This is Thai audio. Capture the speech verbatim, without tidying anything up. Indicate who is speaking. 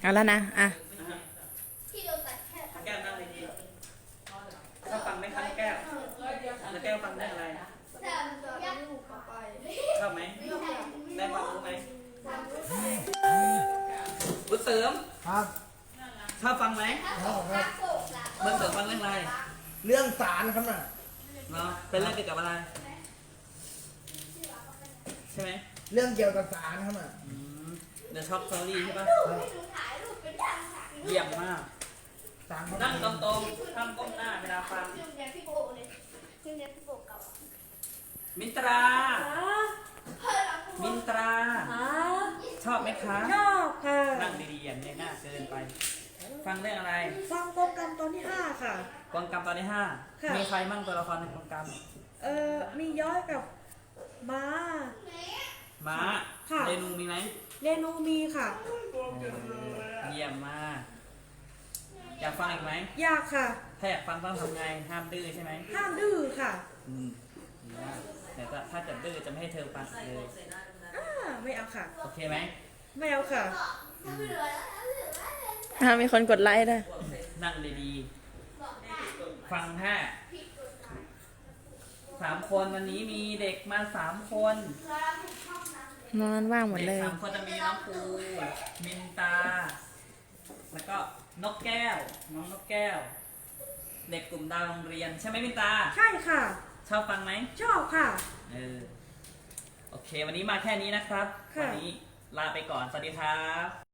Speaker 1: เอาแล้วนะอ่ะ
Speaker 2: แก้วนั่งดีๆถ้าฟังไหมครับแก้วแล้วแก้วฟังได้อะไรชอบไหมได้ความรู้ไหมบุญเสริม
Speaker 3: ครับ
Speaker 2: ชอบฟังไหม
Speaker 3: ครับครับ
Speaker 2: บุญเสริมฟังเรื่องอะไร
Speaker 3: เรื่องสารครับน่ะ
Speaker 2: เนาะเป็นเรื่องเกี่ยวกับอะไรใช่ไหม
Speaker 3: เรื่องเกี่ยวกับสารครับน่ะ
Speaker 2: อืมเดี๋ยวชอบสตอรี่ใช่ปะเยี่ยมมาก
Speaker 3: สารเขา
Speaker 2: นั่งตรงๆห้ามก้มหน้าเวลาฟังมินตรา มินตรา ชอบไหมคะ
Speaker 4: ชอบค่ะ
Speaker 2: นั่งดีๆอย่างนี้หน้าเกินไป ฟังเรื่องอะไร
Speaker 4: ฟังโปรแกรมตอนที่ห้าค่ะ
Speaker 2: กองกรรมตอนที่ห้า
Speaker 4: ค่ะ
Speaker 2: มีใครมั่งตัวละครในกองกรรม
Speaker 4: เอ่อ มีย้อยกับม้า
Speaker 2: ม้า
Speaker 4: ค่ะ
Speaker 2: เรนูมีไหม
Speaker 4: เรนูมีค่ะ
Speaker 2: เยี่ยมมาก อยากฟังอีกไหม
Speaker 4: อยากค่ะ
Speaker 2: ถ้าอยากฟังต้องทำไง ห้ามดื้อใช่ไหม
Speaker 4: ห้ามดื้อค่ะ
Speaker 2: อืมดีมากแต่ถ้าถ้าจะดื้อจะไม่ให้เธอฟังเลย
Speaker 4: อ่า ไม่เอาค่ะ
Speaker 2: โอเคไหม
Speaker 4: ไม่เอาค่ะ
Speaker 1: อ่ะมีคนกดไลค์ด้วย
Speaker 2: นั่งดีๆ ฟังแค่สามคนวันนี้มีเด็กมาสามคน
Speaker 1: นอนว่างหมด
Speaker 2: เด็ก
Speaker 1: เลย
Speaker 2: สามคนจะมีน้องปูมินตา แล้วก็นกแก้ว น้องนกแก้ว เด็กกลุ่มดาวโรงเรียนใช่ไหมมินตา
Speaker 4: ใช่ค่ะ
Speaker 2: ชอบฟังไหม
Speaker 4: ชอบค่ะ
Speaker 2: เออ โอเค วันนี้มาแค่นี้นะครับ
Speaker 4: ค่ะ
Speaker 2: วันี้ลาไปก่อน สวัสดีครับ